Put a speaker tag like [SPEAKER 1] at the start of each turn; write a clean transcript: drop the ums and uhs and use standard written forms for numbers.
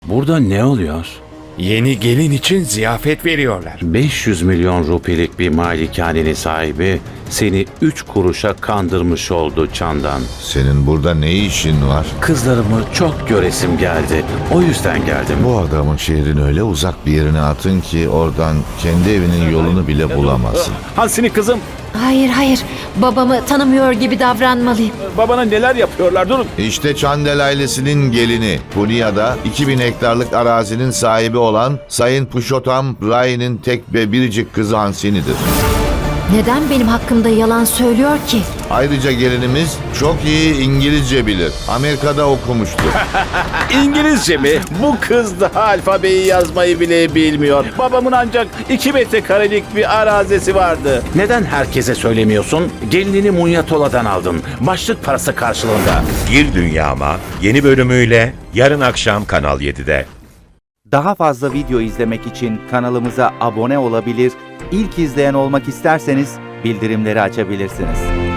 [SPEAKER 1] Burada ne oluyor?
[SPEAKER 2] Yeni gelin için ziyafet veriyorlar.
[SPEAKER 1] 500 milyon rupilik bir malikanenin sahibi seni 3 kuruşa kandırmış oldu Çandan.
[SPEAKER 3] Senin burada ne işin var?
[SPEAKER 1] Kızlarımı çok göresim geldi. O yüzden geldim.
[SPEAKER 3] Bu adamın şehrin öyle uzak bir yerine atın ki oradan kendi evinin yolunu bile bulamazsın.
[SPEAKER 1] Hansini kızım,
[SPEAKER 4] Hayır. Babamı tanımıyor gibi davranmalıyım.
[SPEAKER 1] babana neler yapıyorlar, durun.
[SPEAKER 3] İşte Çandel ailesinin gelini. Punya'da 2000 hektarlık arazinin sahibi olan Sayın Pushottam Rai'nin tek ve biricik kızı Hansini'dir.
[SPEAKER 4] Neden benim hakkımda yalan söylüyor ki?
[SPEAKER 3] Ayrıca gelinimiz çok iyi İngilizce bilir. Amerika'da okumuştur.
[SPEAKER 1] İngilizce mi? Bu kız daha alfabeyi yazmayı bile bilmiyor. Babamın ancak 2 metrekarelik bir arazisi vardı. Neden herkese söylemiyorsun? Gelinini Munyatola'dan aldın. Başlık parası karşılığında.
[SPEAKER 5] Gir Dünyama yeni bölümüyle yarın akşam Kanal 7'de.
[SPEAKER 6] Daha fazla video izlemek için kanalımıza abone olabilir, ilk izleyen olmak isterseniz bildirimleri açabilirsiniz.